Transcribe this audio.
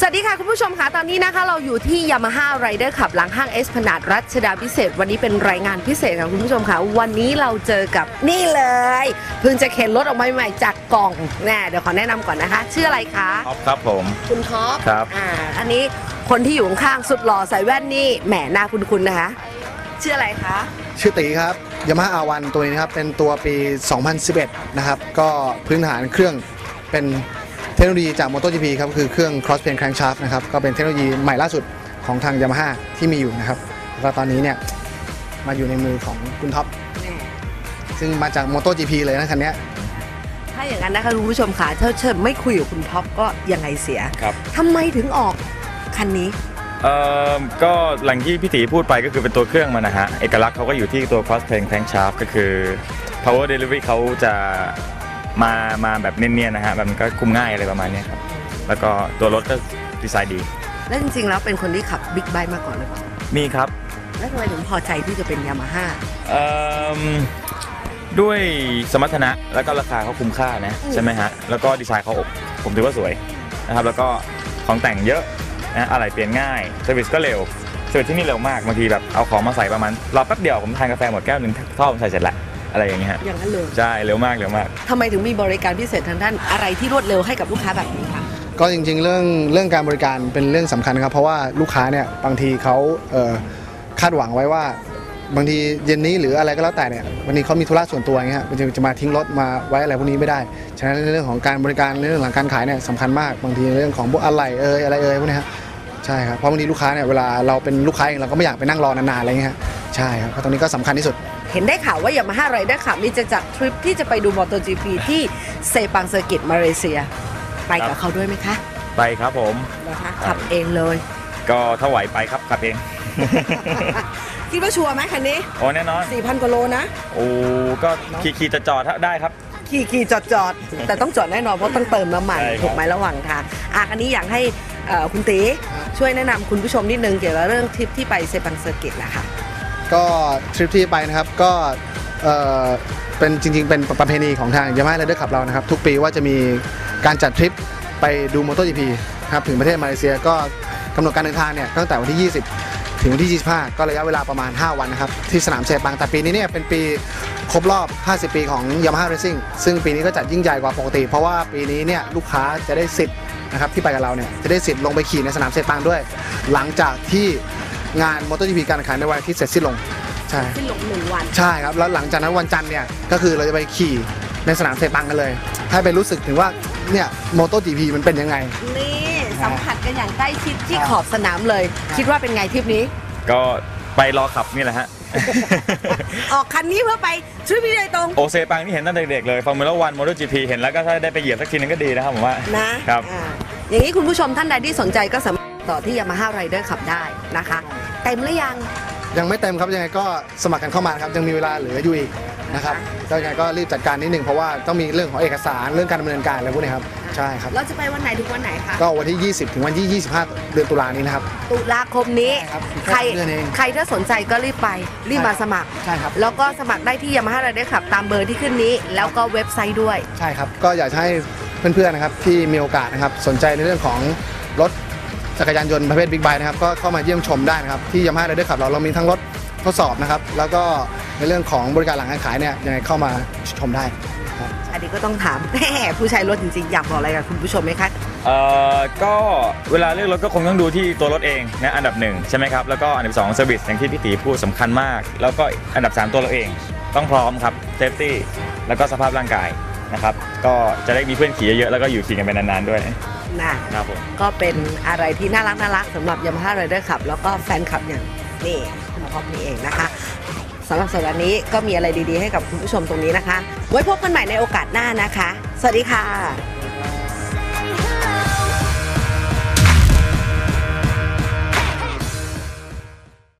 วัสดีค่ะคุณผู้ชมค่ะตอนนี้นะคะเราอยู่ที่ Yamaha Rider Club หลังห้างเอสพลานาดรัชดาพิเศษวันนี้เป็นรายงานพิเศษค่ะคุณผู้ชมค่ะวันนี้เราเจอกับนี่เลยเพิ่งจะเข็นรถออกมาใหม่จากกล่องแน่เดี๋ยวขอแนะนำก่อนนะคะชื่ออะไรคะท็อปครับผมคุณท็อปครับอันนี้คนที่อยู่ข้างๆสุดหล่อใส่แว่นนี่แหมหน้าคุ้นๆนะคะชื่ออะไรคะชื่อตีครับ Yamaha R1 ตัวนี้นะครับเป็นตัวปี 2011 นะครับก็พื้นฐานเครื่องเป็นเทคโนโลยีจาก MotoGP ครับคือเครื่อง Cross Plane Crankshaft นะครับก็เป็นเทคโนโลยีใหม่ล่าสุดของทาง Yamaha ที่มีอยู่นะครับแล้วก็ตอนนี้เนี่ยมาอยู่ในมือของคุณท็อปซึ่งมาจาก MotoGP เลยนะคันนี้ถ้าอย่างนั้นนะคะคุณผู้ชมค่ะถ้าเชิญไม่คุยกับคุณท็อปก็ยังไงเสียครับทำไมถึงออกคันนี้ก็หลังที่พี่ตีพูดไปก็คือเป็นตัวเครื่องมันนะฮะเอกลักษณ์เขาก็อยู่ที่ตัว Cross Plane Crankshaft ก็คือ Power Delivery เขาจะมาแบบเนียนๆนะฮะมันก็คุมง่ายอะไรประมาณนี้ครับแล้วก็ตัวรถก็ดีไซน์ดีแล้วจริงๆแล้วเป็นคนที่ขับบิ๊กไบค์มาก่อนหรือเปล่ามีครับแล้วทำไมถึงพอใจที่จะเป็นยามาฮ่าด้วยสมรรถนะแล้วก็ราคาเขาคุ้มค่านะใช่ไหมฮะแล้วก็ดีไซน์เขาผมถือว่าสวยนะครับแล้วก็ของแต่งเยอะนะอะไรเปลี่ยนง่ายเซอร์วิสก็เร็วเซอร์วิสที่นี่เร็วมากบางทีแบบเอาของมาใส่ประมาณรอแป๊บเดียวผมทานกาแฟหมดแก้วนึงท่อผมใส่เสร็จแล้วอะไรอย่างเงี้ยอย่างนั้นเลยใช่เร็วมากทำไมถึงมีบริการพิเศษทางด้านอะไรที่รวดเร็วให้กับลูกค้าแบบนี้คะก็จริงๆเรื่องการบริการเป็นเรื่องสำคัญครับเพราะว่าลูกค้าเนี่ยบางทีเขาคาดหวังไว้ว่าบางทีเย็นนี้หรืออะไรก็แล้วแต่เนี่ยวันนี้เขามีธุระส่วนตัวอย่างเงี้ยจะมาทิ้งรถมาไว้อะไรพวกนี้ไม่ได้ฉะนั้นในเรื่องของการบริการในเรื่องของการขายเนี่ยสำคัญมากบางทีเรื่องของพวกอะไรอะไรพวกนี้ครับใช่ครับเพราะบางทีลูกค้าเนี่ยเวลาเราเป็นลูกค้าเองเราก็ไม่อยากไปนั่งรอนานๆอะไรเงี้ยใช่ครับเพราะตรงนี้ก็สำคัญที่สุดเห็นได้ข่าวว่า Yamaha Rider Club นี่จะจัดทริปที่จะไปดู MotoGP ที่เซปังเซอร์กิตมาเลเซียไปกับเขาด้วยไหมคะไปครับผมนะคะขับเองเลยก็ถ้าไหวไปครับขับเองคิดว่าชัวร์ไหมคันนี้โอ้แน่นอน 4,000 กว่าโลนะโอ้ก็ขี่จอดได้ครับขี่จอดแต่ต้องจอดแน่นอนเพราะต้องเติมน้ำมันถูกไหมระหว่างทางอันนี้อยากให้คุณตีช่วยแนะนำคุณผู้ชมนิดนึงเกี่ยวกับเรื่องทริปที่ไปเซปังเซอร์กิตนะคะก็ทริปที่ไปนะครับก็เป็นจริงๆเป็นประเพณีของทาง Yamaha Rider Club เรานะครับทุกปีว่าจะมีการจัดทริปไปดู MotoGP ครับถึงประเทศมาเลเซียก็กำหนดการเดินทางเนี่ยตั้งแต่วันที่20ถึงวันที่25ก็ระยะเวลาประมาณ5วันนะครับที่สนามเซปังแต่ปีนี้เนี่ยเป็นปีครบรอบ50ปีของ Yamaha Racing ซึ่งปีนี้ก็จัดยิ่งใหญ่กว่าปกติเพราะว่าปีนี้เนี่ยลูกค้าจะได้สิทธิ์นะครับที่ไปกับเราเนี่ยจะได้สิทธิ์ลงไปขี่ในสนามเซปังด้วยหลังจากที่งาน MotoGP การแข่งขันในวันอาทิตย์เสร็จสิ้นลงใช่สิ้นลง1 วันใช่ครับแล้วหลังจากนั้นวันจันทร์เนี่ยก็คือเราจะไปขี่ในสนามเซปังกันเลยให้ไปรู้สึกถึงว่าเนี่ย MotoGP มันเป็นยังไงนี่สัมผัสกันอย่างใกล้ชิดที่ขอบสนามเลยคิดว่าเป็นไงทริปนี้ก็ไปรอขับนี่แหละฮะออกคันนี้เพื่อไปทริปนี้โดยตรงโอเซปังนี่เห็นตั้งแต่เด็กเลยฟอร์มูล่าวันโมโตจีพีเห็นแล้วก็ถ้าได้ไปเหยียบสักทีนึงก็ดีนะครับผมว่านะครับอย่างนี้คุณผู้ชมท่านใดที่สนใจก็สามารถต่อที่ Yamaha Rider Club ได้นะคะเต็มหรือยังไม่เต็มครับยังไงก็สมัครกันเข้ามาครับยังมีเวลาเหลืออยู่อีกนะครับก็ยังไงก็รีบจัดการนิดหนึ่งเพราะว่าต้องมีเรื่องของเอกสารเรื่องการดำเนินการอะไรพวกนี้ครับใช่ครับเราจะไปวันไหนถึงวันไหนคะก็วันที่20ถึงวันที่25เดือนตุลานี้นะครับตุลาคมนี้ใครถ้าสนใจก็รีบไปรีบมาสมัครใช่ครับแล้วก็สมัครได้ที่ Yamaha Rider Club ตามเบอร์ที่ขึ้นนี้แล้วก็เว็บไซต์ด้วยใช่ครับก็อยากให้เพื่อนๆนะครับที่มีโอกาสนะครับสนใจในเรื่องของรถจักรยานยนต์ประเภทบิ๊กไบค์นะครับก็เข้ามาเยี่ยมชมได้นะครับที่ Yamaha Rider Club เรามีทั้งรถทดสอบนะครับแล้วก็ในเรื่องของบริการหลังการขายเนี่ยยังไงเข้ามาชมได้อันนี้ก็ต้องถามผู้ใช้รถจริงๆอยากบอกอะไรกับคุณผู้ชมไหมคะก็เวลาเลือกรถก็คงต้องดูที่ตัวรถเองนะอันดับ1ใช่ไหมครับแล้วก็อันดับ2เซอร์วิสอย่างที่พี่ตีพูดสำคัญมากแล้วก็อันดับ3ตัวเราเองต้องพร้อมครับเซฟตี้แล้วก็สภาพร่างกายนะครับก็จะได้มีเพื่อนขี่เยอะๆแล้วก็อยู่ขี่กันไปนานๆด้วยนะครับผมก็เป็นอะไรที่น่ารักสำหรับ Yamaha Rider Club แล้วก็แฟนคลับอย่างนี่คุณท็อปนี่เองนะคะสำหรับสัปดาห์นี้ก็มีอะไรดีๆให้กับคุณผู้ชมตรงนี้นะคะไว้พบกันใหม่ในโอกาสหน้านะคะสวัสดีค่ะ